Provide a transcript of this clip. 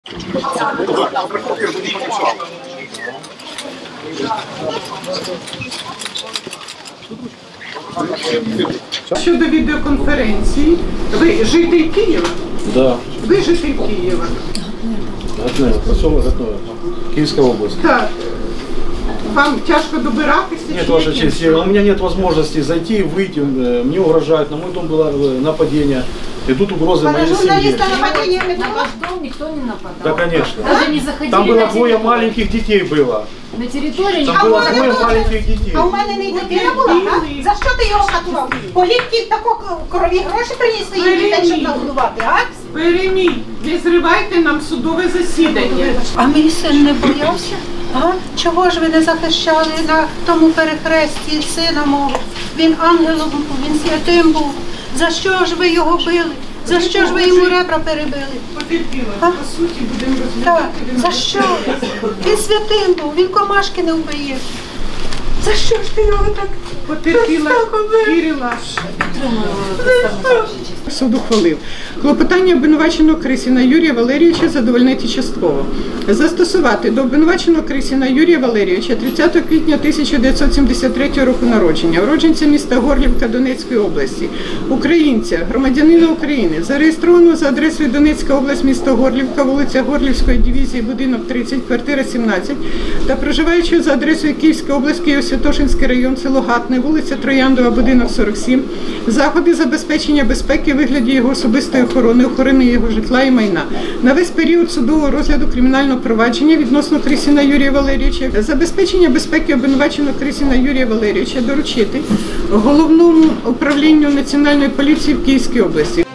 Щодо відеоконференції, ви житель Києва? Да. Ви житель Києва? Гатнево, поселок Гатнево, Киевская область. Так. Вам тяжко добиратися? Нет, Ваша честь, у меня нет возможности зайти, выйти, мне угрожают, на мой дом было нападение, и тут угрозы моей семье. На ваш дом никто не нападал. Да, конечно. Даже не заходили. Там было двое маленьких детей было. На территории Там было двое маленьких детей. А у мене не дитина була, так? За що ти його катував? Політки тако крові гроші приніс своїм дітей, щоб нагодувати, а? Перемій, не зривайте нам судове засідання. А мій син не боявся? А? Чого ж ви не захищали на тому перехресті сина мого? Він ангелом був, він святим був. За що ж ви його били? За що ж ви йому ребра перебили? Потерпіла, А? по суті, будемо Так, розглядати. за що? Він святим був, він комашки не вбиє. За що ж ти його так? Потерпіла, вірила. Суд ухвалив. Клопотання обвинуваченого Крисіна Юрія Валерійовича задовольнити частково. Застосувати до обвинуваченого Крисіна Юрія Валерійовича 30 квітня 1973 року народження, уродженця міста Горлівка Донецької області, українця, громадянина України, зареєстрованого за адресою Донецька область, місто Горлівка, вулиця Горлівської дивізії, будинок 30, квартира 17, та проживаючого за адресою Київська область, Києво-Святошинський район, село Гатне, вулиця Трояндова, будинок 47, заходи забезпечення безпеки у вигляді його особистої охорони його житла і майна. На весь період судового розгляду кримінального провадження відносно Крисіна Юрія Валерійовича, забезпечення безпеки обвинуваченого Крисіна Юрія Валерійовича доручити Головному управлінню Національної поліції в Київській області.